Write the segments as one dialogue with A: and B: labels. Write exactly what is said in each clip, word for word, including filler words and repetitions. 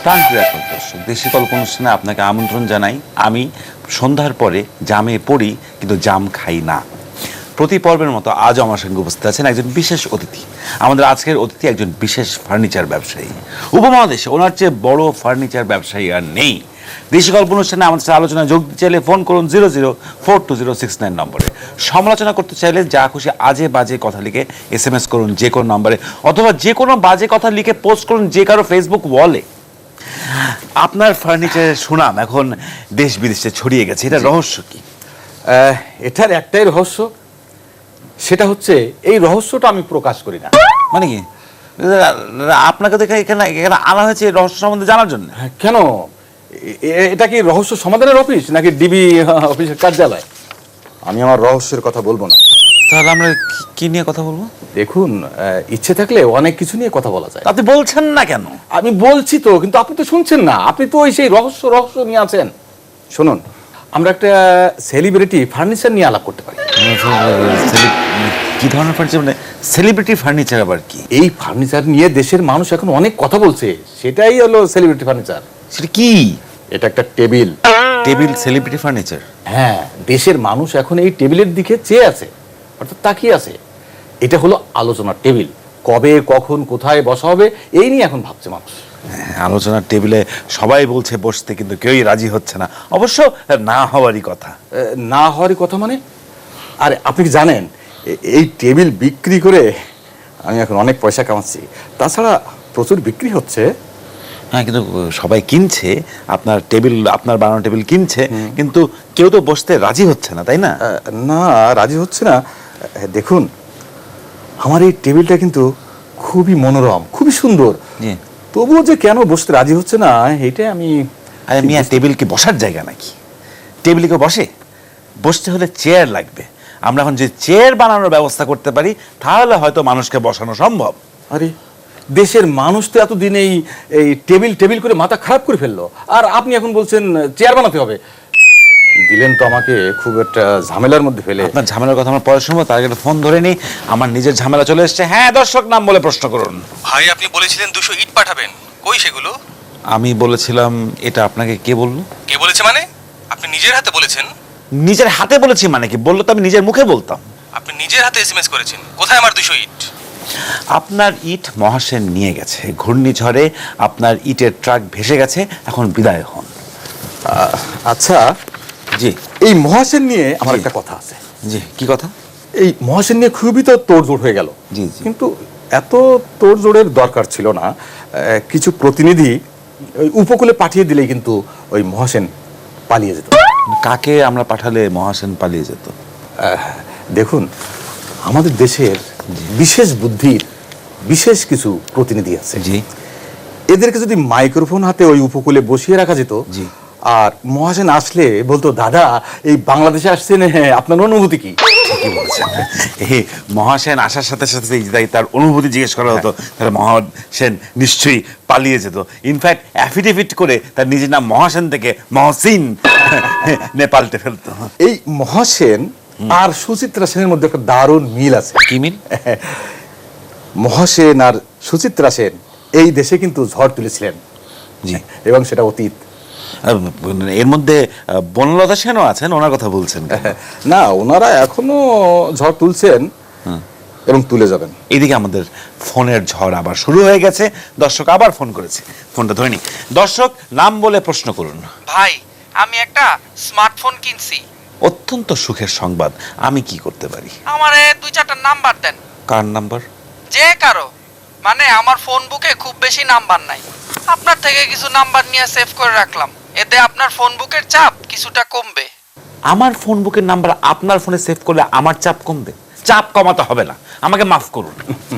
A: প্রাণপ্রিয় দর্শক, দেশি গল্প অনুষ্ঠানে আপনাকে আমন্ত্রণ জানাই। আমি সন্ধ্যার পরে জামে পড়ি কিন্তু জাম খাই না। প্রতি পর্বের মতো আজও আমার সঙ্গে উপস্থিত আছেন একজন বিশেষ অতিথি। আমাদের আজকের অতিথি একজন বিশেষ ফার্নিচার ব্যবসায়ী। উপমহাদেশে ওনার চেয়ে বড় ফার্নিচার ব্যবসায়ী আর নেই। দেশি গল্প অনুষ্ঠানে আমাদের সাথে আলোচনা যোগ দিতে চাইলে ফোন করুন zero zero four two zero six nine নম্বরে। সমালোচনা করতে চাইলে যা খুশি আজে বাজে কথা লিখে এস এম এস করুন যে কোনো নম্বরে, অথবা যে কোনো বাজে কথা লিখে পোস্ট করুন যে কারো ফেসবুক ওয়ালে। আপনার ফার্নিচারের সুনাম এখন দেশ বিদেশে ছড়িয়ে গেছে, এটা রহস্য কি?
B: এটার একটাই রহস্য, সেটা হচ্ছে এই রহস্যটা আমি প্রকাশ করি না।
A: মানে কি? আপনাকে দেখে এখানে এখানে আনা হয়েছে রহস্য সম্বন্ধে জানার জন্য?
B: কেন, এটা কি রহস্য সমাধানের অফিস নাকি ডিবি অফিসের কার্যালয়? আমি আমার রহস্যের কথা বলবো না।
A: তাহলে আমরা কি নিয়ে কথা বলবো?
B: দেখুন, ইচ্ছে থাকলে অনেক কিছু নিয়ে কথা বলা যায়।
A: আপনি বলছেন না কেন?
B: আমি বলছি তো, কিন্তু আপনি তো শুনছেন না। আপনি তো ওই সেই রহস্য রহস্য নিয়ে আছেন। শুনুন, আমরা একটা সেলিব্রিটি ফার্নিচার নিয়ে আলাপ করতে পারি।
A: কি ধরনের ফার্নিচার? মানে সেলিব্রিটি ফার্নিচার আবার কি?
B: এই ফার্নিচার নিয়ে দেশের মানুষ এখন অনেক কথা বলছে, সেটাই হলো সেলিব্রিটি ফার্নিচার।
A: সেটা কি?
B: এটা একটা টেবিল।
A: Table celebrity furniture?
B: হ্যাঁ, দেশের মানুষ এখন এই টেবিলের দিকে চেয়ে আছে, অর্থাৎ তাকিয়ে আছে। এটা হলো আলোচনার টেবিল। কবে, কখন, কোথায় বসা হবে এই নিয়ে এখন ভাবছে মানুষ।
A: আলোচনার টেবিলে সবাই বলছে বসতে, কিন্তু কেউই রাজি হচ্ছে না। অবশ্য না হওয়ারই কথা।
B: না হওয়ারই কথা মানে? আরে আপনি কি জানেন, এই টেবিল বিক্রি করে আমি এখন অনেক পয়সা কামাচ্ছি। তাছাড়া প্রচুর বিক্রি হচ্ছে।
A: হ্যাঁ, কিন্তু সবাই কিনছে আপনার টেবিল, আপনার বানানো টেবিল কিনছে, কিন্তু কেউ তো বসতে রাজি হচ্ছে না, তাই না?
B: না, রাজি হচ্ছে না। দেখুন, আমার এই টেবিলটা কিন্তু খুবই মনোরম, খুবই সুন্দর, তবুও যে কেন বসতে রাজি হচ্ছে না এইটাই আমি।
A: আরে মিয়া, টেবিল কি বসার জায়গা নাকি? টেবিল কেউ বসে? বসতে হলে চেয়ার লাগবে। আমরা এখন যে চেয়ার বানানোর ব্যবস্থা করতে পারি, তাহলে হয়তো মানুষকে বসানো সম্ভব।
B: আরে দেশের মানুষ তো এতদিন এই এই টেবিল টেবিল করে মাথা খারাপ করে ফেললো, আর আপনি এখন বলছেন চেয়ার বানাতে হবে। দিলেন তো আমাকে খুব একটা ঝামেলার মধ্যে ফেলে।
A: আপনার ঝামেলার কথা আমার পরে শুনবো, তার আগে ফোন ধরে নি। আমার নিজের ঝামেলা চলে এসছে। হ্যাঁ, দর্শক নাম বলে প্রশ্ন করুন।
C: ভাই, আপনি বলেছিলেন দুশো ইট পাঠাবেন, কই সেগুলো?
A: আমি বলেছিলাম। এটা আপনাকে কে বললো?
C: কে বলেছে মানে? আপনি নিজের হাতে বলেছেন।
A: নিজের হাতে বলেছি মানে কি? বললো তো আমি নিজের মুখে বলতাম।
C: আপনি নিজের হাতে এসএমএস করেছেন, কোথায় আমার দুশো ইট?
A: আপনার ইট মহাসেন নিয়ে গেছে। ঘূর্ণিঝড়ে আপনার ইটের ট্রাক ভেসে গেছে, এখন বিদায় হন।
B: আচ্ছা
A: জি,
B: এই মহাসেন নিয়ে আমার একটা কথা আছে।
A: জি, কি কথা?
B: এই মহাসেন নিয়ে খুবই তো তোড়জোড় হয়ে গেল।
A: জি, জি।
B: কিন্তু এত তোড়জোড়ের দরকার ছিল না। কিছু প্রতিনিধি ওই উপকূলে পাঠিয়ে দিলেই কিন্তু ওই মহাসেন পালিয়ে যেত।
A: কাকে আমরা পাঠালে মহাসেন পালিয়ে যেত?
B: দেখুন, আমাদের দেশের বিশেষ বুদ্ধির বিশেষ কিছু প্রতিনিধি আছে।
A: জি।
B: এদেরকে যদি মাইক্রোফোন হাতে ওই উপকূলে বসিয়ে রাখা যেত,
A: জি,
B: আর মহাসেন আসলে বলতো, দাদা এই বাংলাদেশে আসছেন, হ্যাঁ আপনার অনুভূতি কি?
A: কি বলছেন? এই মহাসেন আসার সাথে সাথে তার অনুভূতি জিজ্ঞেস করা হতো, তাহলে মহাসেন নিশ্চয়ই পালিয়ে যেত। ইনফ্যাক্ট অ্যাফিডেভিট করে তার নিজের নাম মহাসেন থেকে মহসিন নেপালতে ফেলতো।
B: এই মহাসেন আর সুচিত্রা সেনের মধ্যে একটা দারুণ মিল আছে।
A: কি মিল?
B: মহাসেন আর সুচিত্রা সেন এই দেশে কিন্তু ঝড় তুলেছিলেন।
A: জি।
B: এবং সেটা অতীত।
A: এর মধ্যে বনলতা সেনও আছেন, ওনার কথা বলছেন
B: না? ওনারা এখনো ঝড় তুলছেন এবং তুলে যাবেন।
A: এদিকে আমাদের ফোনের ঝড় আবার শুরু হয়ে গেছে। দর্শক আবার ফোন করেছে, ফোনটা ধরে নি। দর্শক নাম বলে প্রশ্ন করুন।
D: ভাই, আমি একটা স্মার্টফোন কিনছি।
A: অত্যন্ত সুখের সংবাদ। আমি কি করতে পারি?
D: আমারে দুই চারটা নাম্বার দেন।
A: কার নাম্বার?
D: যে কারো, মানে আমার ফোন বুকে খুব বেশি নাম্বার নাই। আপনার থেকে কিছু নাম্বার নিয়ে সেভ করে রাখলাম, এতে আপনার ফোন বুকের চাপ কিছুটা কমবে।
A: আমার ফোন বুকের নাম্বার আপনার ফোনে সেভ করলে আমার চাপ কমবে? চাপ কমাতে হবে না, আমাকে মাফ করুন।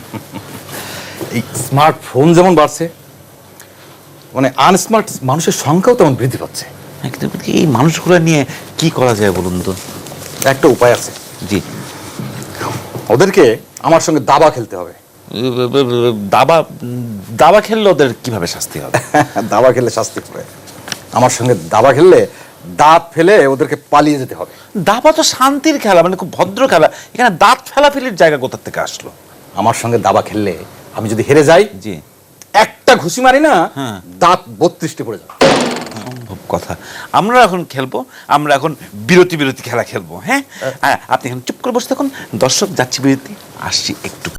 B: এই স্মার্টফোন যেমন বাড়ছে, মানে আনস্মার্ট মানুষের সংখ্যাও তেমন বৃদ্ধি পাচ্ছে।
A: এই মানুষগুলো নিয়ে কি করা যায় বলুন তো?
B: একটা উপায় আছে।
A: জি।
B: ওদেরকে আমার সঙ্গে দাবা খেলতে হবে।
A: দাবা? দাবা খেললে ওদের কিভাবে শাস্তি হবে?
B: দাবা খেললে শাস্তি হবে। আমার সঙ্গে দাবা খেললে দাঁত ফেলে ওদেরকে পালিয়ে যেতে হবে।
A: দাবা তো শান্তির খেলা, মানে খুব ভদ্র খেলা। এখানে দাঁত ফেলাফেলির জায়গা কোথা থেকে আসলো?
B: আমার সঙ্গে দাবা খেললে আমি যদি হেরে যাই,
A: জি,
B: একটা একটা ঘুষি মারি না
A: হ্যাঁ।
B: দাঁত বত্রিশটে পড়ে যাবে।
A: সম্ভব কথা। আমরা এখন খেলবো, আমরা এখন বিরতি বিরতি খেলা খেলবো। হ্যাঁ, হ্যাঁ, আপনি এখন চুপ করে বসে থাকুন। দর্শক যাচ্ছি বিরতি, আসছি একটু